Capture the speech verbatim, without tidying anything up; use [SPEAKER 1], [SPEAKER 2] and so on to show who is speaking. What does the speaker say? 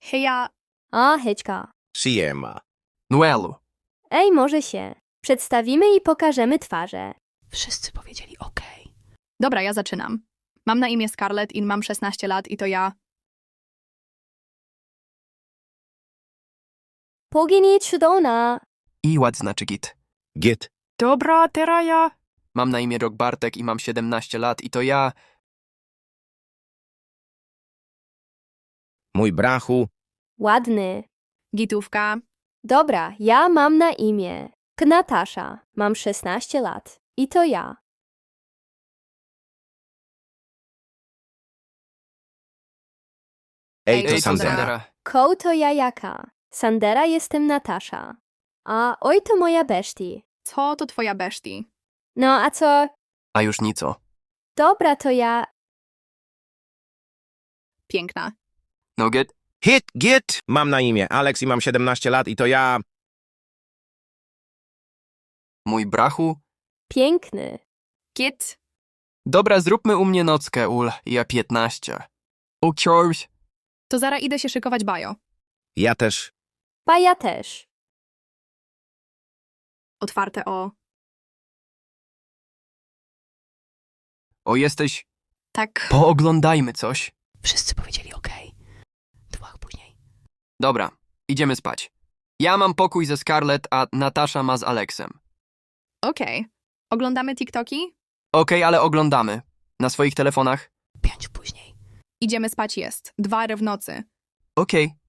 [SPEAKER 1] Heja,
[SPEAKER 2] A, hejka.
[SPEAKER 3] Siema.
[SPEAKER 4] Noelu.
[SPEAKER 2] Ej, może się. Przedstawimy i pokażemy twarze.
[SPEAKER 5] Wszyscy powiedzieli OK.
[SPEAKER 1] dobra, ja zaczynam. Mam na imię Scarlett i mam szesnaście lat i to ja.
[SPEAKER 2] Pogini cudowna.
[SPEAKER 4] I ład znaczy git.
[SPEAKER 3] Git.
[SPEAKER 4] Dobra, teraz ja. Mam na imię Rock Bartek i mam siedemnaście lat i to ja.
[SPEAKER 3] Mój brachu.
[SPEAKER 2] Ładny.
[SPEAKER 1] Gitówka.
[SPEAKER 2] Dobra, ja mam na imię Natasza. Mam szesnaście lat. I to ja.
[SPEAKER 3] Ej, to
[SPEAKER 1] Ej,
[SPEAKER 3] Sandera.
[SPEAKER 2] Ko to ja jaka. Sandera jestem Natasza. A oj to moja beszti.
[SPEAKER 1] Co to twoja beszti?
[SPEAKER 2] No a co?
[SPEAKER 4] A już nico.
[SPEAKER 2] Dobra to ja.
[SPEAKER 1] Piękna.
[SPEAKER 4] No git.
[SPEAKER 3] Hit, git. Mam na imię Alex i mam siedemnaście lat i to ja.
[SPEAKER 4] Mój brachu.
[SPEAKER 2] Piękny.
[SPEAKER 1] Git.
[SPEAKER 4] Dobra, zróbmy u mnie nockę, ul. Ja piętnaście. O, Charles.
[SPEAKER 1] To zaraz idę się szykować bajo.
[SPEAKER 3] Ja też.
[SPEAKER 2] Pa ja też.
[SPEAKER 1] Otwarte o.
[SPEAKER 4] O, jesteś...
[SPEAKER 1] Tak.
[SPEAKER 4] Pooglądajmy coś.
[SPEAKER 5] Wszyscy powiedzieli OK. Dwa później.
[SPEAKER 4] Dobra, idziemy spać. Ja mam pokój ze Scarlett, a Natasza ma z Alexem.
[SPEAKER 1] Okej. Oglądamy TikToki?
[SPEAKER 4] Okej, ale oglądamy. Na swoich telefonach?
[SPEAKER 5] Pięć później.
[SPEAKER 1] Idziemy spać jest. Dwa w nocy.
[SPEAKER 4] Okej.